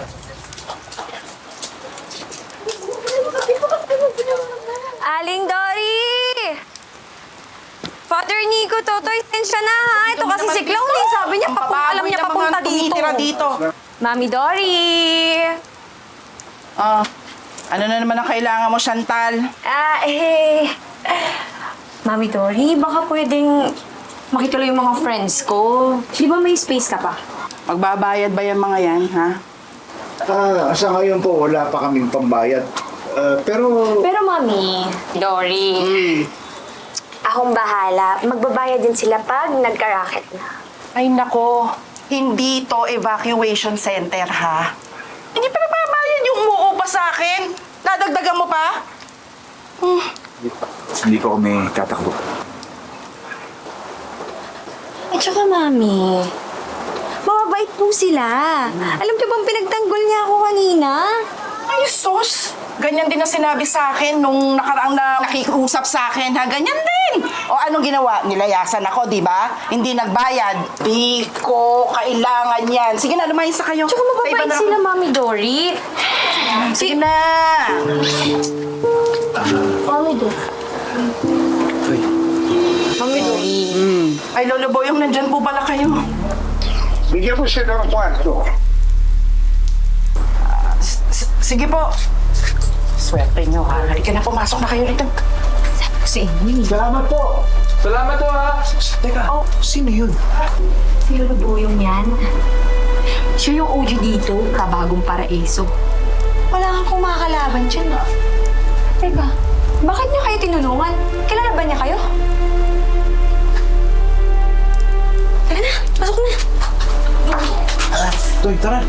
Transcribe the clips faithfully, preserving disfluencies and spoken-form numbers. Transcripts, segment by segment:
Aling Dory! Father Nico, Totoy, sensya na ha. Ito kasi si Clown eh. Sabi niya, papunta, alam niya papunta dito. dito. Mami Dory! Ah, ano na naman ang kailangan mo, Chantal? Ah, eh... Mami Dory, baka pwedeng makituloy yung mga friends ko. Di ba may space ka pa? Magbabayad ba yung mga yan, ha? Ah, sa ngayon po, wala pa kaming pambayad. Ah, pero... Pero Mami, Dory, Hmm, akong bahala. Magbabayad din sila pag nagka-racket na. Ay, nako. Hindi to evacuation center, ha? Hindi pa nababayad yung umuupa sa akin. Dadagdagan mo pa? Hmm. hindi po kami tatakbo. At saka, Mami, mababait po sila. Alam niyo bang pinagtanggol niya ako kanina? Ay, sus! Ganyan din ang sinabi sa akin nung nakaraang na nakikiusap sa akin, ha? Ganyan din! O anong ginawa? Nilayasan ako, di ba? Hindi nagbayad. Di ko kailangan yan. Sige na, lumayas na kayo. Tsaka Sa iba mababait na- sila, Mami Dory. Sige na! Mami Dory. Mami Dory. Ay, Lolo Boyong, nandyan po pala kayo. Bigyan mo siya ng kwarto. S- Sige po. Swerte nyo, ha? Halika na, pumasok na kayo rito. Si Amy. Salamat po! Salamat to ha! Teka, Oh. sino yun? Si Lolo Boyong yan. Siya yung O G dito, kabagong paraiso. Wala kang kumakalaban dyan. Teka, bakit niya kayo tinulungan? Kilala ba niya kayo? Tara na, pasok na. Toy, tara.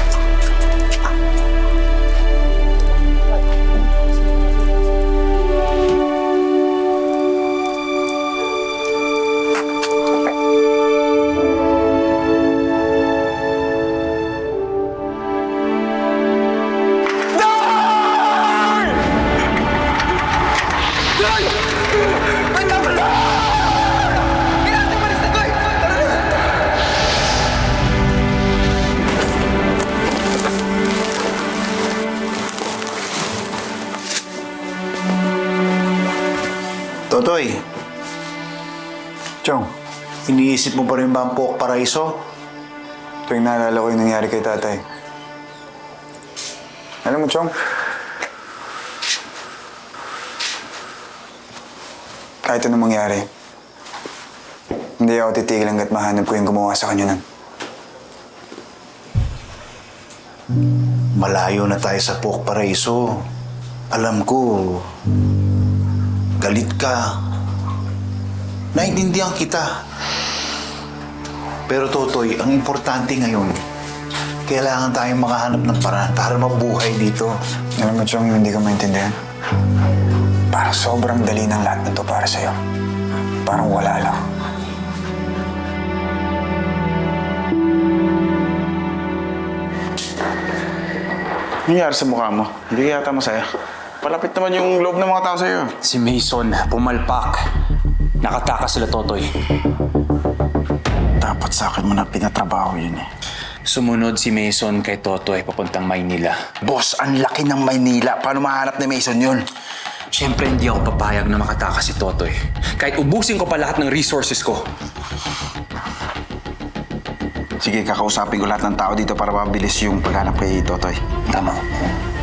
Totoy, Chong, iniisip mo pa rin ba ang Pook Paraiso? Tuwing naalala ko yung nangyari kay tatay. Alam mo, Chong, kahit anong mangyari, hindi ako titigil hanggat mahanap ko yung gumawa sa kanya nun. Malayo na tayo sa Pook Paraiso. Alam ko, galit ka. Naintindihan kita. Pero Totoy, ang importante ngayon, kailangan tayong makahanap ng paraan para mabuhay dito. Alam mo, Chong, yung hindi ko maintindihan. Parang sobrang dali ng lahat na to para sa'yo. Parang wala lang. Ano nangyari sa mukha mo? Hindi yata masaya. Palapit naman yung loob ng mga tao sa'yo. Si Mason, pumalpak. Nakatakas sila, Totoy. Dapat sa akin mo na pinatrabaho yun eh. Sumunod si Mason kay Totoy papuntang Maynila. Boss, ang laki ng Maynila. Paano mahanap ni Mason yun? Siyempre, hindi ako papayag na makatakas si Totoy. Kahit ubusin ko pa lahat ng resources ko. Sige, kakausapin ko lahat ng tao dito para mabilis yung paghanap kay Totoy. Tama.